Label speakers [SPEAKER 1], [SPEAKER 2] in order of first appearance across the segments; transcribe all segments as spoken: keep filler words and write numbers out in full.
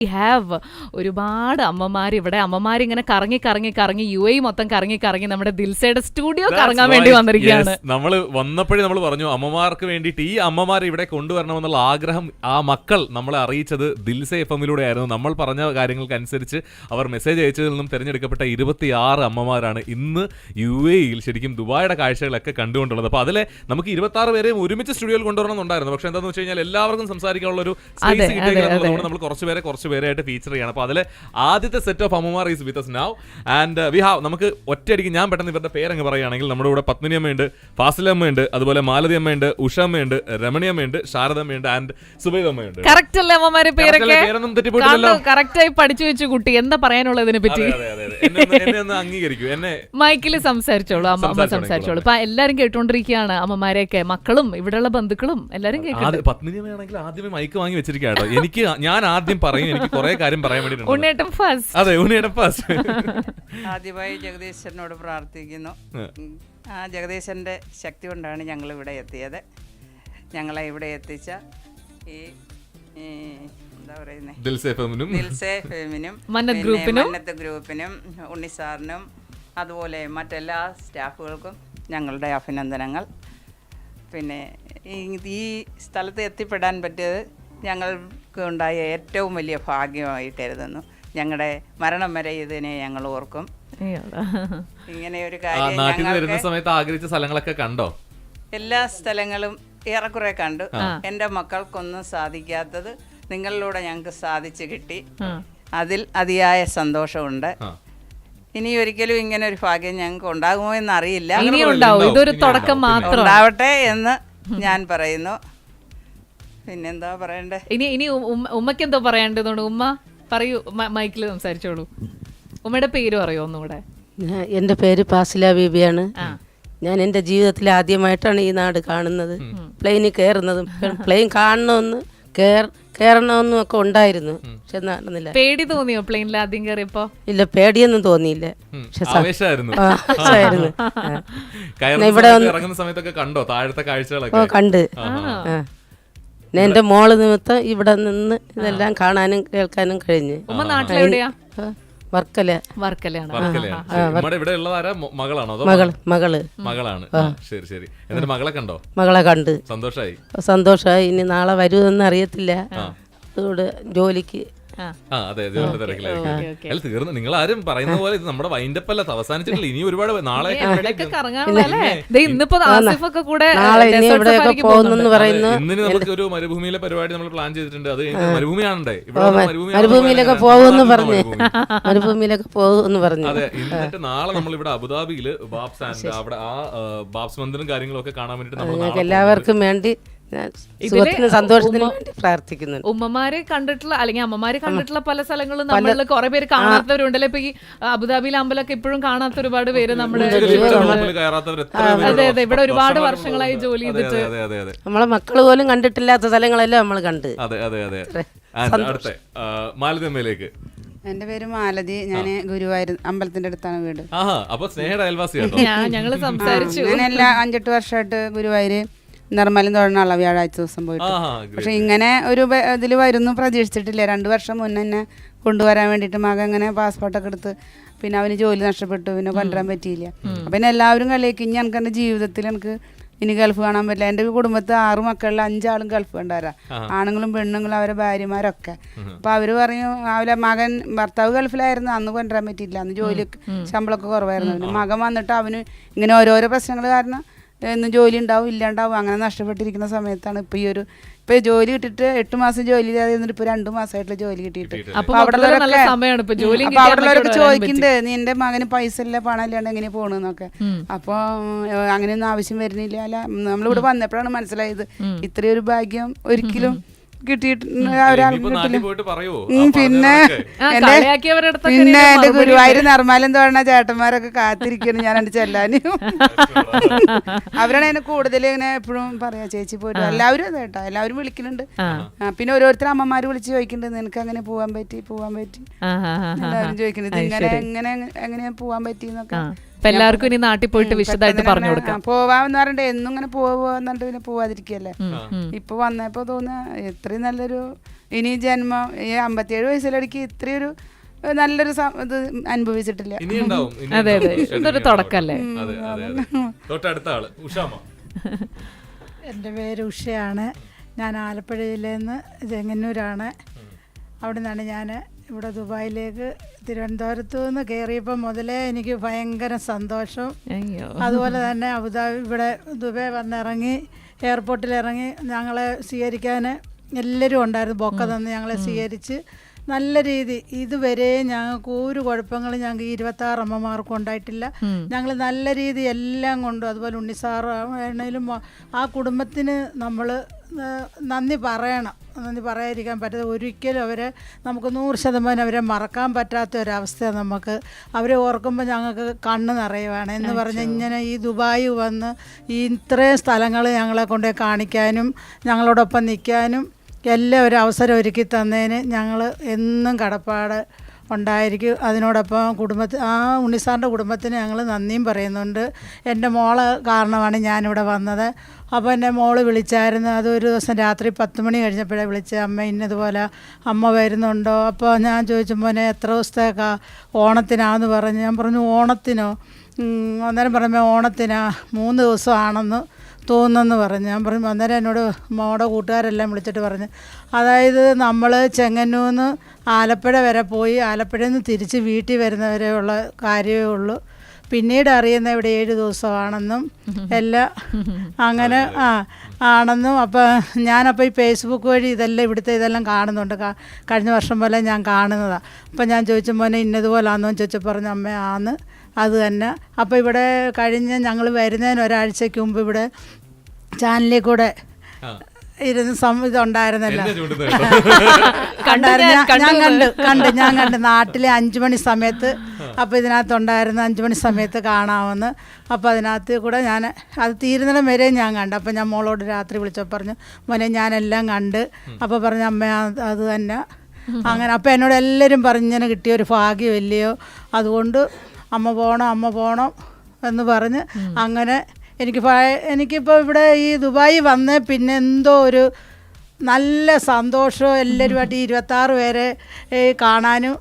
[SPEAKER 1] Have ഒരുപാട് അമ്മമാർ ഇവിടെ അമ്മമാരിങ്ങനെ കറങ്ങി കറങ്ങി കറങ്ങി യു എ മൊത്തം കറങ്ങി കറങ്ങി നമ്മുടെ ദിൽസയുടെ സ്റ്റുഡിയോ കറങ്ങാൻ വേണ്ടി വന്നിരിക്കുകയാണ്.
[SPEAKER 2] നമ്മൾ വന്നപ്പോഴേ നമ്മൾ പറഞ്ഞു അമ്മമാർക്ക് വേണ്ടിയിട്ട് ഈ അമ്മമാരെ ഇവിടെ കൊണ്ടുവരണമെന്നുള്ള ആഗ്രഹം ആ മക്കൾ നമ്മളെ അറിയിച്ചത് ദിൽസ എഫ് എമ്മിലൂടെ ആയിരുന്നു. നമ്മൾ പറഞ്ഞ കാര്യങ്ങൾക്കനുസരിച്ച് അവർ മെസ്സേജ് അയച്ചതിൽ നിന്നും തിരഞ്ഞെടുക്കപ്പെട്ട ഇരുപത്തിയാറ് അമ്മമാരാണ് ഇന്ന് യു എയിൽ ശരിക്കും ദുബായുടെ കാഴ്ചകളൊക്കെ കണ്ടുകൊണ്ടുള്ളത്. അപ്പോൾ അതിലെ നമുക്ക് ഇരുപത്തി ആറ് പേരെയും ഒരുമിച്ച് സ്റ്റുഡിയോയിൽ കൊണ്ടുവരണമെന്നുണ്ടായിരുന്നു. പക്ഷെ എന്താണെന്ന് വെച്ച് കഴിഞ്ഞാൽ എല്ലാവർക്കും സംസാരിക്കാനുള്ള ഒരു സ്പേസ് കിട്ടിയെന്നുള്ളതുകൊണ്ട് നമ്മൾ കുറച്ച് പേരെ കുറച്ച് പേരായിട്ട് ഫീച്ചർ ചെയ്യണം. അപ്പോൾ അതിലെ ആദ്യത്തെ സെറ്റ് ഓഫ് അമ്മമാർ is with us now and uh, we have നമുക്ക് ഒറ്റയടിക്ക് ഞാൻ പെട്ടെന്ന് ഇവരുടെ പേരങ്ങ് പറയുകയാണെങ്കിൽ നമ്മുടെ ഇവിടെ പത്മിനി അമ്മയുണ്ട്, ഫാസിലമ്മയുണ്ട്, അതുപോലെ മാലതി അമ്മയുണ്ട്, ഉഷ അമ്മയുണ്ട്, രമണി അമ്മയുണ്ട്, ശാരദമ്മയുണ്ട് ആൻഡ് സുബൈദ അമ്മയുണ്ട്.
[SPEAKER 1] കറക്റ്റ് അല്ലേ അമ്മമാരെ പേരൊക്കെ?
[SPEAKER 2] പേരൊന്നും തെറ്റിപ്പോയിട്ടില്ലല്ലോ.
[SPEAKER 1] കറക്റ്റ് ആയി പഠിച്ചു വെച്ചു കുട്ടി. എന്താ പറയാനുള്ളതിനെ പറ്റി
[SPEAKER 2] എന്നെ ഒന്ന് അംഗീകരിക്കൂ. എന്നെ
[SPEAKER 1] മൈക്കിൽ സംസാരിച്ചോളൂ, അമ്മ സംസാരിച്ചോളൂ. ഇപ്പൊ എല്ലാരും കേട്ടോണ്ടിരിക്കുകയാണ്, അമ്മമാരെയൊക്കെ, മക്കളും ഇവിടെയുള്ള ബന്ധുക്കളും എല്ലാരും കേൾക്കും.
[SPEAKER 2] പത്മിനി അമ്മയാണെങ്കിൽ ആദ്യമേ മൈക്ക് വാങ്ങി വെച്ചിരിക്കുകയാണ്. എനിക്ക് ഞാൻ ആദ്യം പറയും, എനിക്ക് കുറെ കാര്യം പറയാൻ വേണ്ടിയിട്ടുണ്ട്.
[SPEAKER 1] ഉണ്ണേട്ടൻ ഫസ്റ്റ്.
[SPEAKER 2] അതെ, ഉണ്ണേട്ടൻ ഫസ്റ്റ്.
[SPEAKER 3] ആദ്യമായി ജഗദീശനോട് പ്രാർത്ഥിക്കുന്നു. ആ ജഗദീശന്റെ ശക്തി കൊണ്ടാണ് ഞങ്ങൾ ഇവിടെ എത്തിയത്. ഞങ്ങളെ ഇവിടെ എത്തിച്ച ഈ എന്താ പറയുന്നത്
[SPEAKER 2] ദിൽസേ ഫെമിനും
[SPEAKER 3] ദിൽസേ ഫെമിനും
[SPEAKER 1] മന്നത്ത് ഗ്രൂപ്പിനും
[SPEAKER 3] മന്നത്ത് ഗ്രൂപ്പിനും ഉണ്ണിസാറിനും അതുപോലെ മറ്റെല്ലാ സ്റ്റാഫുകൾക്കും ഞങ്ങളുടെ അഭിനന്ദനങ്ങൾ. പിന്നെ ഈ സ്ഥലത്ത് എത്തിപ്പെടാൻ പറ്റിയത് ഞങ്ങൾക്ക് ഉണ്ടായ ഏറ്റവും വലിയ ഭാഗ്യമായിട്ട് കരുതുന്നു. ഞങ്ങളുടെ മരണം വരെ ഇതിനെ ഞങ്ങൾ ഓർക്കും. ഇങ്ങനെ ഒരു കാര്യം
[SPEAKER 2] നാട്ടിൽ വരുന്ന സമയത്ത് ആഗ്രഹിച്ച സ്ഥലങ്ങളൊക്കെ കണ്ടോ?
[SPEAKER 3] എല്ലാ സ്ഥലങ്ങളും ഏറെക്കുറെ കണ്ടു. എൻ്റെ മക്കൾക്കൊന്നും സാധിക്കാത്തത് നിങ്ങളിലൂടെ ഞങ്ങൾക്ക് സാധിച്ചു കിട്ടി. അതിൽ അതിയായ സന്തോഷമുണ്ട്. ഇനി ഒരിക്കലും ഇങ്ങനെ ഒരു ഭാഗ്യം ഞങ്ങൾക്ക് ഉണ്ടാകുമോ എന്ന് അറിയില്ല.
[SPEAKER 1] ഇതൊരു തുടക്കം മാത്രം
[SPEAKER 3] ഉണ്ടാവട്ടെ എന്ന് ഞാൻ പറയുന്നു. പിന്നെന്താ പറയണ്ടേ?
[SPEAKER 1] ഇനി ഇനി ഉമ്മക്ക് എന്തോ പറയേണ്ടതുകൊണ്ട് ഉമ്മ പറയൂ, മൈക്കിൽ സംസാരിച്ചോളൂ. ഉമ്മയുടെ പേര് പറയോ ഒന്നുകൂടെ?
[SPEAKER 4] എൻ്റെ പേര് ഫാസില ബീബിയാണ്. ഞാൻ എൻ്റെ ജീവിതത്തിൽ ആദ്യമായിട്ടാണ് ഈ നാട് കാണുന്നത്. പ്ലെയിനിൽ കയറുന്നതും പ്ലെയിൻ കാണണമെന്ന് കയറണമെന്നും ഒക്കെ ഉണ്ടായിരുന്നു, പക്ഷെ നടന്നില്ല.
[SPEAKER 1] പേടി തോന്നിയോ പ്ലെയിനിൽ ആദ്യം കയറിയപ്പോ?
[SPEAKER 4] ഇല്ല, പേടിയൊന്നും തോന്നിയില്ല.
[SPEAKER 2] ഇവിടെ ഇറങ്ങുന്ന സമയത്തൊക്കെ കണ്ടോ താഴത്തെ കാഴ്ചകളൊക്കെ?
[SPEAKER 4] കണ്ട്. എന്റെ മോള് നിമിത്തം ഇവിടെ നിന്ന് ഇതെല്ലാം കാണാനും കേൾക്കാനും കഴിഞ്ഞു. വർക്കല. മകള് മകള്
[SPEAKER 2] മകളാണ്. ശരി ശരി. എന്നിട്ട് മകളെ കണ്ടോ?
[SPEAKER 4] മകളെ കണ്ട്
[SPEAKER 2] സന്തോഷായി.
[SPEAKER 4] സന്തോഷമായി. ഇനി നാളെ വരുമെന്ന് അറിയത്തില്ല. അതുകൊണ്ട് ജോലിക്ക്
[SPEAKER 2] തീർന്നു. നിങ്ങൾ ആരും പറയുന്ന പോലെ ഇത് നമ്മുടെ വൈൻഡപ്പ് അല്ല, അവസാനിച്ചിട്ടില്ല. ഇനി ഒരുപാട് നാളെ ഇന്നിന് നമുക്ക് ഒരു മരുഭൂമിയിലെ പരിപാടി നമ്മൾ പ്ലാൻ ചെയ്തിട്ടുണ്ട്. അത് മരുഭൂമിയാണേ, ഇവിടെ
[SPEAKER 4] മരുഭൂമിയിലൊക്കെ പോകുമെന്ന് പറഞ്ഞു മരുഭൂമിയിലൊക്കെ പോകുമെന്ന് പറഞ്ഞു.
[SPEAKER 2] അതെ. എന്നിട്ട് നാളെ നമ്മൾ ഇവിടെ അബുദാബിയില് ബാബ്സ് ആൻഡ് അവിടെ ആ ബാബ്സ് മന്ദിരം കാര്യങ്ങളും ഒക്കെ കാണാൻ വേണ്ടിട്ട് നമ്മൾ
[SPEAKER 4] എല്ലാവർക്കും വേണ്ടി സന്തോഷത്തിന് വേണ്ടി പ്രാർത്ഥിക്കുന്നു.
[SPEAKER 1] ഉമ്മമാരെ കണ്ടിട്ടുള്ള അല്ലെങ്കിൽ അമ്മമാരെ കണ്ടിട്ടുള്ള പല സ്ഥലങ്ങളും നമ്മളിൽ കുറെ പേര് കാണാത്തവരുണ്ടല്ലോ. ഇപ്പൊ ഈ അബുദാബിയിലെ അമ്പലമൊക്കെ ഇപ്പോഴും കാണാത്ത ഒരുപാട് പേര് നമ്മുടെ അതെ അതെ ഇവിടെ ഒരുപാട് വർഷങ്ങളായി ജോലി ചെയ്തിട്ട്
[SPEAKER 4] നമ്മളെ മക്കള് പോലും കണ്ടിട്ടില്ലാത്ത സ്ഥലങ്ങളെല്ലാം നമ്മൾ കണ്ട്.
[SPEAKER 2] അതെ അതെ അതെ. മാലതിയമ്മയിലേക്ക്.
[SPEAKER 5] എന്റെ പേര് മാലതി. ഞാൻ ഗുരുവായൂർ അമ്പലത്തിന്റെ അടുത്താണ് വീട്.
[SPEAKER 2] അപ്പൊ സ്നേഹയുടെ അയൽവാസിയാണോ?
[SPEAKER 1] ഞങ്ങള് സംസാരിച്ചു.
[SPEAKER 5] ഞാൻ എല്ലാ അഞ്ചെട്ട് വർഷമായിട്ട് ഗുരുവായൂര് നിർമ്മലം തൊഴണുള്ള വ്യാഴാഴ്ച ദിവസം പോയിട്ട്. പക്ഷെ ഇങ്ങനെ ഒരു ഇതിൽ വരുന്നു പ്രതീക്ഷിച്ചിട്ടില്ല. രണ്ടു വർഷം മുന്നേ എന്നെ കൊണ്ടുവരാൻ വേണ്ടിയിട്ട് മകൻ ഇങ്ങനെ പാസ്പോർട്ടൊക്കെ എടുത്ത് പിന്നെ അവന് ജോലി നഷ്ടപ്പെട്ടു, പിന്നെ കൊണ്ടുവരാൻ പറ്റിയില്ല. അപ്പം പിന്നെ എല്ലാവരും കളിയാക്കി. ഇനി എനിക്ക് എൻ്റെ ജീവിതത്തിൽ എനിക്ക് ഇനി ഗൾഫ് കാണാൻ പറ്റില്ല. എൻ്റെ കുടുംബത്തിൽ ആറ് മക്കളിൽ അഞ്ചാളും ഗൾഫ് ഉണ്ടാരാ, ആണുങ്ങളും പെണ്ണുങ്ങളും അവരെ ഭാര്യമാരൊക്കെ. അപ്പം അവർ പറഞ്ഞു അവരെ മകൻ ഭർത്താവ് ഗൾഫിലായിരുന്നു, അന്ന് കൊണ്ടുവരാൻ പറ്റിയില്ല, അന്ന് ജോലി ശമ്പളമൊക്കെ കുറവായിരുന്നു. പിന്നെ മകൻ വന്നിട്ട് അവന് ഇങ്ങനെ ഓരോരോ പ്രശ്നങ്ങൾ കാരണം എന്നും ജോലി ഉണ്ടാവും ഇല്ലാണ്ടാവും അങ്ങനെ നഷ്ടപ്പെട്ടിരിക്കുന്ന സമയത്താണ് ഇപ്പൊ ഈ ഒരു ഇപ്പൊ ജോലി കിട്ടിയിട്ട് എട്ട് മാസം ജോലി ചെയ്യാതെ ഇരുന്നിട്ട് ഇപ്പൊ രണ്ടു മാസമായിട്ടുള്ള ജോലി കിട്ടിയിട്ട്. അപ്പൊ അവിടെ ഉള്ളവരൊക്കെ ചോദിക്കുന്നുണ്ട് നിന്റെ മകന് പൈസ ഇല്ല പണം ഇല്ലാണ്ട് എങ്ങനെ പോണെന്നൊക്കെ. അപ്പൊ അങ്ങനെയൊന്നും ആവശ്യം വരുന്നില്ല. അല്ല നമ്മളിവിടെ വന്നപ്പോഴാണ് മനസ്സിലായത് ഇത്രയൊരു ഭാഗ്യം ഒരിക്കലും കിട്ടിയിട്ടുണ്ട്. പിന്നെ പിന്നെ എന്റെ ഗുരുവായൂർ നിർമ്മാലം തോന്നണ ചേട്ടന്മാരൊക്കെ കാത്തിരിക്കുന്നു ഞാൻ എന്റെ ചെല്ലാനും. അവരാണ് എന്നെ കൂടുതൽ ഇങ്ങനെ എപ്പോഴും പറയാ ചേച്ചി പോയിട്ട്. എല്ലാവരും അതെ കേട്ടോ, എല്ലാവരും വിളിക്കുന്നുണ്ട്. പിന്നെ ഓരോരുത്തർ അമ്മമാര് വിളിച്ച് ചോദിക്കുന്നുണ്ട് നിനക്ക് അങ്ങനെ പോവാൻ പറ്റി പോവാൻ പറ്റി എല്ലാവരും ചോദിക്കുന്നുണ്ട് ഇങ്ങനെ എങ്ങനെ എങ്ങനെയാ പോവാൻ പറ്റിന്നൊക്കെ.
[SPEAKER 1] അപ്പൊ എല്ലാവർക്കും ഇനി നാട്ടിൽ പോയിട്ട് വിശദമായിട്ട് പറഞ്ഞു കൊടുക്കാം.
[SPEAKER 5] പോവാന്ന് പറഞ്ഞിട്ട് എന്നും ഇങ്ങനെ പോവാന്നിട്ട് പിന്നെ പോവാതിരിക്കല്ലേ. ഇപ്പൊ വന്നപ്പോ തോന്നുക ഇത്രയും നല്ലൊരു ഇനി ജന്മം ഈ അമ്പത്തിയേഴ് വയസ്സിലടിക്ക് ഇത്രയൊരു നല്ലൊരു ഇത് അനുഭവിച്ചിട്ടില്ല.
[SPEAKER 1] അതെ അതെ, ഇതൊരു തുടക്കല്ലേ.
[SPEAKER 2] തൊട്ടടുത്ത ആള് ഉഷാമ്മ.
[SPEAKER 6] എൻ്റെ പേര് ഉഷയാണ്. ഞാൻ ആലപ്പുഴയിൽ നിന്ന് ചെങ്ങന്നൂരാണ്. അവിടെ നിന്നാണ് ഞാൻ ഇവിടെ ദുബായിലേക്ക് തിരുവനന്തപുരത്ത് നിന്ന് കയറിയപ്പോൾ മുതലേ എനിക്ക് ഭയങ്കര സന്തോഷം. അതുപോലെ തന്നെ അബുദാബി ഇവിടെ ദുബായ് വന്നിറങ്ങി എയർപോർട്ടിൽ ഇറങ്ങി ഞങ്ങളെ സ്വീകരിക്കാൻ എല്ലാവരും ഉണ്ടായിരുന്നു. ബൊക്ക തന്ന് ഞങ്ങളെ സ്വീകരിച്ച് നല്ല രീതി ഇതുവരെ ഞങ്ങൾക്ക് ഒരു കുഴപ്പങ്ങളും ഞങ്ങൾക്ക് ഇരുപത്താറ് അമ്മമാർക്കും ഉണ്ടായിട്ടില്ല. ഞങ്ങൾ നല്ല രീതി എല്ലാം കൊണ്ടും അതുപോലെ ഉണ്ണിസാർ ആണെങ്കിലും ആ കുടുംബത്തിന് നമ്മൾ നന്ദി പറയണം. നന്ദി പറയാതിരിക്കാൻ പറ്റാതെ ഒരിക്കലും അവരെ നമുക്ക് നൂറ് ശതമാനം അവരെ മറക്കാൻ പറ്റാത്ത ഒരവസ്ഥ നമുക്ക് അവരെ ഓർക്കുമ്പോൾ ഞങ്ങൾക്ക് കണ്ണ് നിറയുവാണ്. എന്ന് പറഞ്ഞാൽ ഇങ്ങനെ ഈ ദുബായി വന്ന് ഈ ഇത്രയും സ്ഥലങ്ങൾ ഞങ്ങളെ കൊണ്ട് കാണിക്കാനും ഞങ്ങളോടൊപ്പം നിൽക്കാനും എല്ലാം ഒരു അവസരം ഒരുക്കി തന്നതിന് ഞങ്ങൾ എന്നും കടപ്പാട് ഉണ്ടായിരിക്കും. അതിനോടൊപ്പം കുടുംബത്തിൽ ആ ഉണ്ണിസാറിൻ്റെ കുടുംബത്തിന് ഞങ്ങൾ നന്ദിയും പറയുന്നുണ്ട്. എൻ്റെ മോള് കാരണമാണ് ഞാനിവിടെ വന്നത്. അപ്പോൾ എൻ്റെ മോള് വിളിച്ചായിരുന്നു. അതൊരു ദിവസം രാത്രി പത്ത് മണി കഴിഞ്ഞപ്പോഴേ വിളിച്ച്, അമ്മ ഇന്നതുപോലെ അമ്മ വരുന്നുണ്ടോ? അപ്പോൾ ഞാൻ ചോദിച്ചു മോനെ എത്ര ദിവസത്തേക്കാ ഓണത്തിനാന്ന് പറഞ്ഞു. ഞാൻ പറഞ്ഞു ഓണത്തിനോ? അന്നേരം പറയുമ്പോൾ ഓണത്തിനാ മൂന്ന് ദിവസമാണെന്ന് തോന്നുന്നെന്ന് പറഞ്ഞു. ഞാൻ പറഞ്ഞു അന്നേരം എന്നോട് മോടെ കൂട്ടുകാരെല്ലാം വിളിച്ചിട്ട് പറഞ്ഞു അതായത് നമ്മൾ ചെങ്ങന്നൂന്ന് ആലപ്പുഴ വരെ പോയി ആലപ്പുഴയിൽ നിന്ന് തിരിച്ച് വീട്ടിൽ വരുന്നവരെയുള്ള കാര്യമേ ഉള്ളൂ. പിന്നീട് അറിയുന്ന ഇവിടെ ഏഴ് ദിവസമാണെന്നും എല്ലാം അങ്ങനെ ആ ആണെന്നും. അപ്പോൾ ഞാനപ്പോൾ ഈ ഫേസ്ബുക്ക് വഴി ഇതെല്ലാം ഇവിടുത്തെ ഇതെല്ലാം കാണുന്നുണ്ട്. കഴിഞ്ഞ വർഷം പോലെ ഞാൻ കാണുന്നതാണ്. അപ്പോൾ ഞാൻ ചോദിച്ച മോനെ ഇന്നതുപോലാണെന്നോ ചോദിച്ചു പറഞ്ഞു അമ്മ ആന്ന് അത് തന്നെ. അപ്പോൾ ഇവിടെ കഴിഞ്ഞ ഞങ്ങൾ വരുന്നതിന് ഒരാഴ്ചയ്ക്ക് മുമ്പ് ഇവിടെ ചാനലിൽ കൂടെ ഇരുന്ന് സം ഇതുണ്ടായിരുന്നല്ലോ കണ്ടായിരുന്നു. ഞാൻ കണ്ട് കണ്ട് ഞാൻ കണ്ട് നാട്ടിലെ അഞ്ചു മണി സമയത്ത്. അപ്പോൾ ഇതിനകത്തുണ്ടായിരുന്നു അഞ്ചു മണി സമയത്ത് കാണാമെന്ന്. അപ്പോൾ അതിനകത്ത് കൂടെ ഞാൻ അത് തീരുന്നിടം വരെ ഞാൻ കണ്ടു. അപ്പോൾ ഞാൻ മോളോട് രാത്രി വിളിച്ചപ്പോൾ പറഞ്ഞു മോനെ ഞാനെല്ലാം കണ്ട്. അപ്പോൾ പറഞ്ഞു അമ്മ അത് തന്നെ അങ്ങനെ. അപ്പോൾ എന്നോട് എല്ലാവരും പറഞ്ഞിങ്ങനെ കിട്ടിയ ഒരു ഭാഗ്യം ഇല്ലയോ, അതുകൊണ്ട് അമ്മ പോകണം അമ്മ പോകണം എന്ന് പറഞ്ഞ് അങ്ങനെ എനിക്ക് എനിക്കിപ്പോൾ ഇവിടെ ഈ ദുബായി വന്ന് പിന്നെ എന്തോ ഒരു നല്ല സന്തോഷവും എല്ലാവരുമായിട്ട് ഈ ഇരുപത്താറ് പേരെ കാണാനും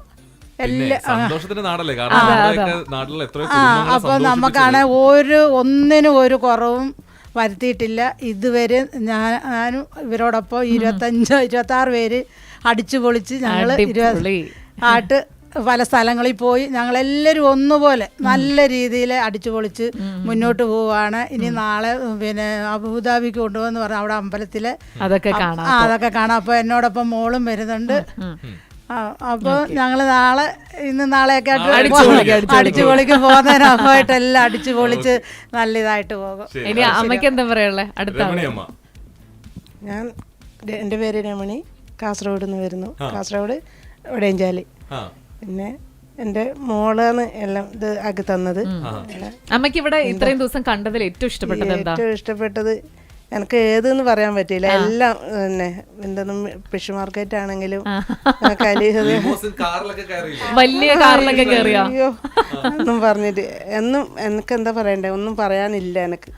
[SPEAKER 6] അപ്പോൾ നമുക്കാണ് ഒരു ഒന്നിനും ഒരു കുറവും വരുത്തിയിട്ടില്ല ഇതുവരെ. ഞാൻ ഞാനും ഇവരോടൊപ്പം ഇരുപത്തഞ്ച് ഇരുപത്താറ് പേര് അടിച്ചു പൊളിച്ച് ഞങ്ങൾ ഇരുപത് ആയിട്ട് പല സ്ഥലങ്ങളിൽ പോയി ഞങ്ങളെല്ലാവരും ഒന്നുപോലെ നല്ല രീതിയിൽ അടിച്ചു പൊളിച്ച് മുന്നോട്ട് പോവുകയാണ്. ഇനി നാളെ പിന്നെ അബുദാബിക്ക് കൊണ്ടുപോകുന്ന പറഞ്ഞാൽ അവിടെ അമ്പലത്തിലെ അതൊക്കെ കാണാം അതൊക്കെ കാണാം. അപ്പോൾ എന്നോടൊപ്പം മോളും വരുന്നുണ്ട്. അപ്പോൾ ഞങ്ങൾ നാളെ ഇന്ന് നാളെയൊക്കെ ആയിട്ട് അടിച്ചു പൊളിക്ക് പോകുന്നതിനൊക്കെ എല്ലാം അടിച്ചു പൊളിച്ച് നല്ല ഇതായിട്ട് പോകും.
[SPEAKER 1] ഇനി അമ്മയ്ക്ക് എന്താ പറയാനുള്ളത്? അടുത്ത
[SPEAKER 7] ഞാൻ എൻ്റെ പേര് രമണി, കാസർഗോഡ് നിന്ന് വരുന്നു. കാസർഗോഡ് വടയഞ്ചാലി. പിന്നെ എൻ്റെ മോളാണ് എല്ലാം ഇത് ആക്കി തന്നത്.
[SPEAKER 1] അമ്മയ്ക്ക് ഇവിടെ ഇത്രയും ദിവസം കണ്ടതിൽ ഏറ്റവും ഇഷ്ടപ്പെട്ടത് എന്താ?
[SPEAKER 7] ഏറ്റവും ഇഷ്ടപ്പെട്ടത് എനിക്ക് ഏതെന്ന് പറയാൻ പറ്റില്ല. എല്ലാം പിന്നെ എന്തെന്നും ഫിഷ് മാർക്കറ്റ് ആണെങ്കിലും
[SPEAKER 1] വലിയ കാറിലൊക്കെ കയറിയോ
[SPEAKER 7] ഒന്നും പറഞ്ഞിട്ട് എന്നും എനിക്ക് എന്താ പറയണ്ടേ ഒന്നും പറയാനില്ല എനിക്ക്.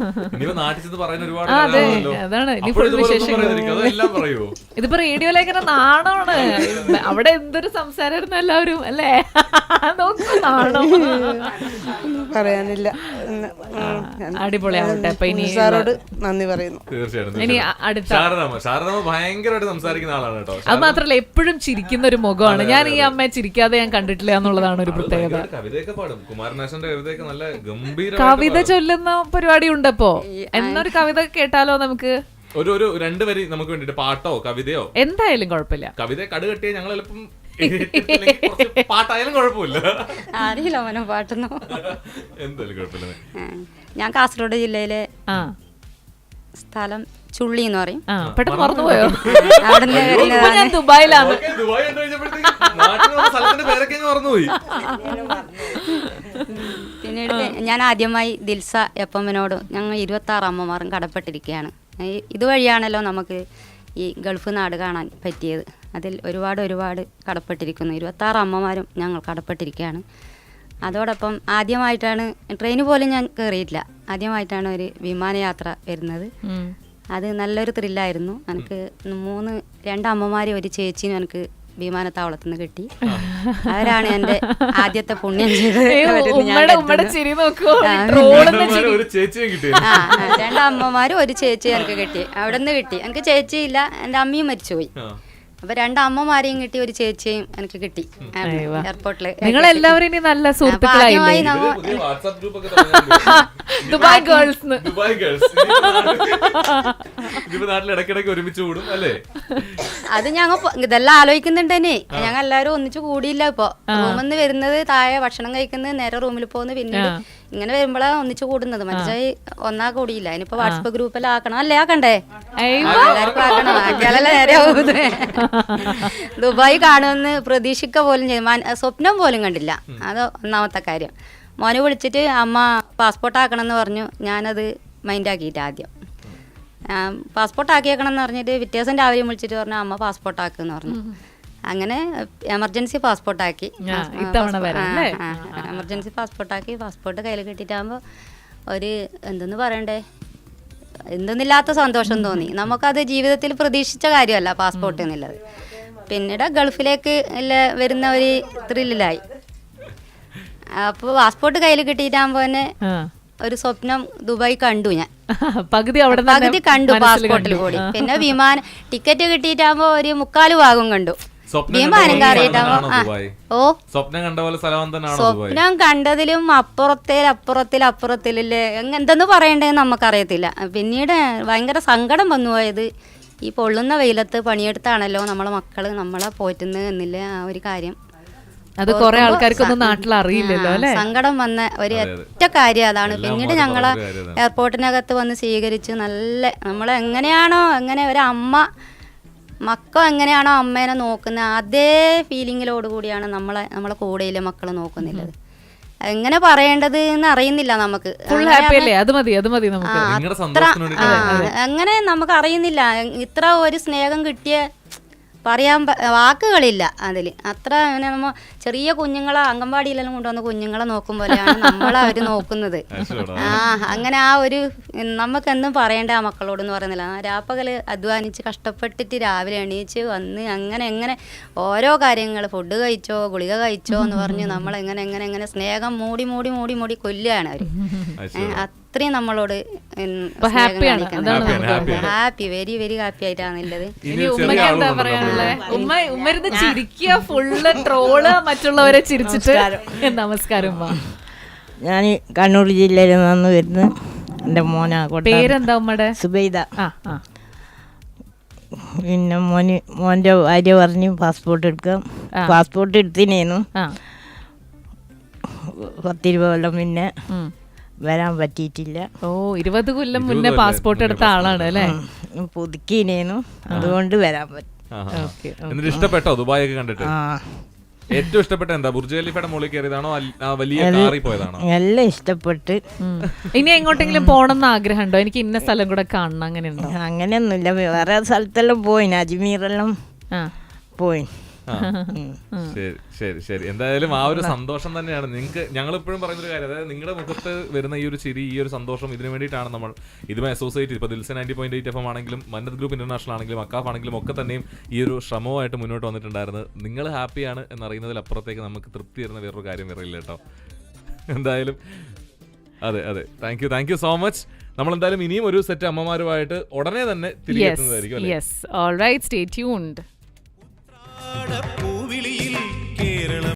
[SPEAKER 1] അതാണ് ഇനി ഫുൾ വിശേഷം. ഇതിപ്പോ റേഡിയോ ലേഖന നാണമാണ്. അവിടെ എന്തൊരു സംസാരമായിരുന്നു എല്ലാവരും അല്ലേ? നാണോ
[SPEAKER 7] പറയാനില്ല.
[SPEAKER 1] അടിപൊളിയാവട്ടെ. അപ്പൊ ഇനി
[SPEAKER 7] സാറോട് നന്ദി പറയുന്നു.
[SPEAKER 1] ഇനി അടുത്ത
[SPEAKER 2] ഭയങ്കരമായിട്ട് സംസാരിക്കുന്ന ആളാണ് കേട്ടോ.
[SPEAKER 1] അത് മാത്രല്ല എപ്പോഴും ചിരിക്കുന്ന ഒരു മുഖമാണ്. ഞാൻ ഈ അമ്മയെ ചിരിക്കാതെ ഞാൻ കണ്ടിട്ടില്ല എന്നുള്ളതാണ് ഒരു പ്രത്യേകത.
[SPEAKER 2] കവിതയൊക്കെ പാടും. കുമാരനാശന്റെ കവിതയൊക്കെ നല്ല ഗംഭീര
[SPEAKER 1] കവിത ചൊല്ലുന്ന പരിപാടി ഉണ്ടപ്പോ. എന്നൊരു കവിത കേട്ടാലോ നമുക്ക്?
[SPEAKER 2] ഒരു ഒരു രണ്ട് വരി നമുക്ക് വേണ്ടിട്ട് പാട്ടോ കവിതയോ
[SPEAKER 1] എന്തായാലും കുഴപ്പമില്ല.
[SPEAKER 2] കവിത കടുകെട്ടിയ ഞങ്ങൾ എളുപ്പം പാട്ടായാലും കുഴപ്പമില്ല.
[SPEAKER 8] അറിയില്ല അവനോ പാട്ടൊന്നോ.
[SPEAKER 2] എന്തായാലും കുഴപ്പമില്ല.
[SPEAKER 8] ഞാൻ കാസർഗോഡ് ജില്ലയിലെ സ്ഥലം ചുള്ളി എന്ന് പറയും.
[SPEAKER 1] പെട്ടെന്ന് മറന്നുപോയോ?
[SPEAKER 8] അവിടെ
[SPEAKER 1] ദുബായിലാണ്.
[SPEAKER 8] പിന്നീട് ഞാൻ ആദ്യമായി ദിൽസ എപ്പമ്മനോട് ഞങ്ങൾ ഇരുപത്തി ആറ് അമ്മമാരും കടപ്പെട്ടിരിക്കുകയാണ്. ഇതുവഴിയാണല്ലോ നമുക്ക് ഈ ഗൾഫ് നാട് കാണാൻ പറ്റിയത്. അതിൽ ഒരുപാട് ഒരുപാട് കടപ്പെട്ടിരിക്കുന്നു. ഇരുപത്താറ് അമ്മമാരും ഞങ്ങൾ കടപ്പെട്ടിരിക്കുകയാണ്. അതോടൊപ്പം ആദ്യമായിട്ടാണ് ട്രെയിന് പോലും ഞാൻ കയറിയിട്ടില്ല, ആദ്യമായിട്ടാണ് ഒരു വിമാനയാത്ര വരുന്നത്. അത് നല്ലൊരു ത്രില്ലായിരുന്നു. എനിക്ക് മൂന്ന് രണ്ടമ്മമാരും ഒരു ചേച്ചിനും എനിക്ക് വിമാനത്താവളത്തിൽ നിന്ന് കിട്ടി. അവരാണ് എന്റെ ആദ്യത്തെ പുണ്യം ചെയ്തത്. രണ്ടമ്മമാരും ഒരു ചേച്ചി എനിക്ക് കിട്ടി, അവിടെ നിന്ന് കിട്ടി. എനിക്ക് ചേച്ചിയില്ല, എൻ്റെ അമ്മയും മരിച്ചുപോയി. അപ്പൊ രണ്ടമ്മമാരെയും കിട്ടി, ഒരു ചേച്ചിയും എനിക്ക് കിട്ടി എയർപോർട്ടില്.
[SPEAKER 1] നിങ്ങൾ എല്ലാവരും ഇനി നല്ല സുഹൃത്തുക്കളായില്ലേ? ദുബായ് ഗേൾസ്
[SPEAKER 2] ദുബായ് ഗേൾസ് നാട്ടിൽ ഇടയ്ക്കിടയ്ക്ക് ഒരുമിച്ച് കൂടും അല്ലേ?
[SPEAKER 8] അത് ഞങ്ങൾ ഇതെല്ലാം ആലോചിക്കുന്നുണ്ട് തന്നെ. ഞങ്ങൾ എല്ലാവരും ഒന്നിച്ചു കൂടിയില്ല. ഇപ്പൊ റൂമിൽ നിന്ന് വരുന്നത്, താഴെ ഭക്ഷണം കഴിക്കുന്നത്, നേരെ റൂമിൽ പോകുന്നത്, പിന്നീട് ഇങ്ങനെ വരുമ്പോഴാണ് ഒന്നിച്ചു കൂടുന്നത്. മനസ്സിലായി ഒന്നാ കൂടിയില്ല. ഇനിയിപ്പോ വാട്സപ്പ് ഗ്രൂപ്പെല്ലാം ആക്കണം അല്ലേ? ആക്കണ്ടേ? എല്ലാവർക്കും ആക്കണം, ആക്കിയാലല്ലേ നേരെ ആവുന്നത്. ദുബായ് കാണുമെന്ന് പ്രതീക്ഷിക്ക പോലും ചെയ്തു, സ്വപ്നം പോലും കണ്ടില്ല. അത് ഒന്നാമത്തെ കാര്യം. മോനെ വിളിച്ചിട്ട് അമ്മ പാസ്പോർട്ട് ആക്കണം എന്ന് പറഞ്ഞു. ഞാനത് മൈൻഡാക്കിയിട്ട് ആദ്യം പാസ്പോർട്ട് ആക്കിയേക്കണം എന്ന് പറഞ്ഞിട്ട് വ്യത്യാസം രാവിലെ വിളിച്ചിട്ട് പറഞ്ഞു അമ്മ പാസ്പോർട്ട് ആക്കുമെന്ന് പറഞ്ഞു. അങ്ങനെ എമർജൻസി പാസ്പോർട്ടാക്കി എമർജൻസി പാസ്പോർട്ടാക്കി പാസ്പോർട്ട് കയ്യിൽ കിട്ടിയിട്ടാകുമ്പോൾ ഒരു എന്തെന്ന് പറയണ്ടേ, എന്തെന്നില്ലാത്ത സന്തോഷം തോന്നി. നമുക്കത് ജീവിതത്തിൽ പ്രതീക്ഷിച്ച കാര്യമല്ല പാസ്പോർട്ട് എന്നുള്ളത്. പിന്നീട് ഗൾഫിലേക്ക് വരുന്ന ഒരു ത്രില്ലിലായി. അപ്പോൾ പാസ്പോർട്ട് കയ്യിൽ കിട്ടിയിട്ടാകുമ്പോൾ തന്നെ ഒരു സ്വപ്നം ദുബായ് കണ്ടു ഞാൻ.
[SPEAKER 1] പകുതി അവിടെ
[SPEAKER 8] പകുതി കണ്ടു പാസ്പോർട്ടിൽ കൂടി. പിന്നെ വിമാനം ടിക്കറ്റ് കിട്ടിയിട്ടാകുമ്പോൾ ഒരു മുക്കാല് ഭാഗം കണ്ടു. വിമാനം കയറിയിട്ടാകുമ്പോ ഓ സ്വപ്നം കണ്ടതിലും അപ്പുറത്തേൽ അപ്പുറത്തിൽ അപ്പുറത്തിലല്ലേ എന്തെന്ന് പറയണ്ടേന്ന് നമുക്കറിയത്തില്ല. പിന്നീട് ഭയങ്കര സങ്കടം വന്നു പോയത് ഈ പൊള്ളുന്ന വെയിലത്ത് പണിയെടുത്താണല്ലോ നമ്മളെ മക്കള് നമ്മളെ പോറ്റുന്നത് എന്നില്ല ആ ഒരു കാര്യം.
[SPEAKER 1] അത് കുറെ ആൾക്കാർക്കൊന്നും നാട്ടിൽ അറിയില്ലല്ലോ അല്ലെ.
[SPEAKER 8] സങ്കടം വന്ന ഒരു ഒറ്റ കാര്യം അതാണ്. പിന്നീട് ഞങ്ങളെ എയർപോർട്ടിനകത്ത് വന്ന് സ്വീകരിച്ച് നല്ല നമ്മളെ എങ്ങനെയാണോ എങ്ങനെ ഒരു അമ്മ മക്കൾ എങ്ങനെയാണോ അമ്മേനെ നോക്കുന്നത് അതേ ഫീലിങ്ങിലോട് കൂടിയാണ് നമ്മളെ നമ്മളെ കൂടെയിലെ മക്കൾ നോക്കുന്നില്ലത്. എങ്ങനെ പറയേണ്ടത് എന്ന് അറിയുന്നില്ല നമുക്ക്. അങ്ങനെ നമുക്ക് അറിയുന്നില്ല. ഇത്ര ഒരു സ്നേഹം കിട്ടിയ പറയാൻ വാക്കുകളില്ല അതിൽ. അത്ര അങ്ങനെ നമ്മ ചെറിയ കുഞ്ഞുങ്ങളെ അംഗൻവാടിയിലെല്ലാം കൊണ്ടുവന്ന കുഞ്ഞുങ്ങളെ നോക്കും പോലെയാണ് നമ്മളെ അവർ നോക്കുന്നത്. ആ അങ്ങനെ ആ ഒരു നമുക്കെന്തും പറയേണ്ട ആ മക്കളോടെന്ന് പറയുന്നില്ല. ആ രാപ്പകല് അധ്വാനിച്ച് കഷ്ടപ്പെട്ടിട്ട് രാവിലെ എണീച്ച് വന്ന് അങ്ങനെ എങ്ങനെ ഓരോ കാര്യങ്ങൾ ഫുഡ് കഴിച്ചോ ഗുളിക കഴിച്ചോ എന്ന് പറഞ്ഞ് നമ്മളെങ്ങനെ എങ്ങനെ എങ്ങനെ സ്നേഹം മൂടി മൂടി മൂടി മൂടി കൊല്ലുകയാണ് അവർ. അത്രയും നമ്മളോട് ഹാപ്പി വെരി വെരി ഹാപ്പി ആയിട്ടാണുള്ളത്.
[SPEAKER 1] ഉമ്മ ഉമ്മരുന്ന് ചിരിക്കുക, ഫുള്ള് ട്രോള്, മറ്റുള്ളവരെ ചിരിച്ചിട്ട്. നമസ്കാരം.
[SPEAKER 9] ഞാൻ കണ്ണൂർ ജില്ലയിൽ നിന്ന് വരുന്ന എൻ്റെ മോനാ.
[SPEAKER 1] പേരെന്താ ഉമ്മയുടെ?
[SPEAKER 9] സുബൈദ. പിന്നെ മോന് മോൻ്റെ ഭാര്യ പറഞ്ഞു പാസ്പോർട്ട് എടുക്കാം. പാസ്പോർട്ട് എടുത്തിനേന്നു പത്തിരുപത് കൊല്ലം പിന്നെ വരാൻ പറ്റിയിട്ടില്ല.
[SPEAKER 1] ഓ ഇരുപത് കൊല്ലം മുന്നേ പാസ്പോർട്ട് എടുത്ത ആളാണ് അല്ലേ?
[SPEAKER 9] പുതുക്കിനേന്നു, അതുകൊണ്ട് വരാൻ പറ്റും.
[SPEAKER 2] ഇഷ്ടപ്പെട്ടോ ദുബായ് ഒക്കെ കണ്ടിട്ട്? ഏറ്റവും ഇഷ്ടപ്പെട്ട എന്താ? ബുർജ് ഖലീഫയുടെ മുകളിൽ കയറിയതാണോ വലിയ കാറിൽ പോയതാണോ?
[SPEAKER 9] എല്ലാം ഇഷ്ടപ്പെട്ട്.
[SPEAKER 1] ഇനി എങ്ങോട്ടെങ്കിലും പോകണം എന്ന് ആഗ്രഹമുണ്ടോ? എനിക്ക് ഇന്ന സ്ഥലം കൂടെ കാണണം അങ്ങനെയുണ്ടോ?
[SPEAKER 9] അങ്ങനെയൊന്നുമില്ല. വേറെ സ്ഥലത്തെല്ലാം പോയിന്, അജ്മീറെല്ലാം പോയി.
[SPEAKER 2] ശരി ശരി ശരി എന്തായാലും ആ ഒരു സന്തോഷം തന്നെയാണ് നിങ്ങൾക്ക്. ഞങ്ങൾ എപ്പോഴും പറയുന്നൊരു കാര്യം, അതായത് നിങ്ങളുടെ മുഖത്ത് വരുന്ന ഈ ഒരു ചിരി, ഈ ഒരു സന്തോഷം, ഇതിനു വേണ്ടിയിട്ടാണ് നമ്മൾ ഇതുമായി അസോസിയേറ്റ് ഇപ്പോൾ ദിൽസ ninety point eight F M ആണെങ്കിലും മന്നത് ഗ്രൂപ്പ് ഇന്റർനാഷണൽ ആണെങ്കിലും അക്കാഫ് ആണെങ്കിലും ഒക്കെ തന്നെയും ഈ ഒരു ശ്രമവുമായിട്ട് മുന്നോട്ട് വന്നിട്ടുണ്ടായിരുന്നത്. നിങ്ങൾ ഹാപ്പിയാണ് എന്നറിയുന്നതിലപ്പുറത്തേക്ക് നമുക്ക് തൃപ്തി തരുന്ന വേറൊരു കാര്യം വരില്ല കേട്ടോ. എന്തായാലും അതെ അതെ thank you thank you so much. നമ്മൾ എന്തായാലും ഇനിയും ഒരു സെറ്റ് അമ്മമാരുമായിട്ട് ഉടനെ തന്നെ തിരികെ എത്തുന്നതായിരിക്കും.
[SPEAKER 1] Yes alright stay tuned.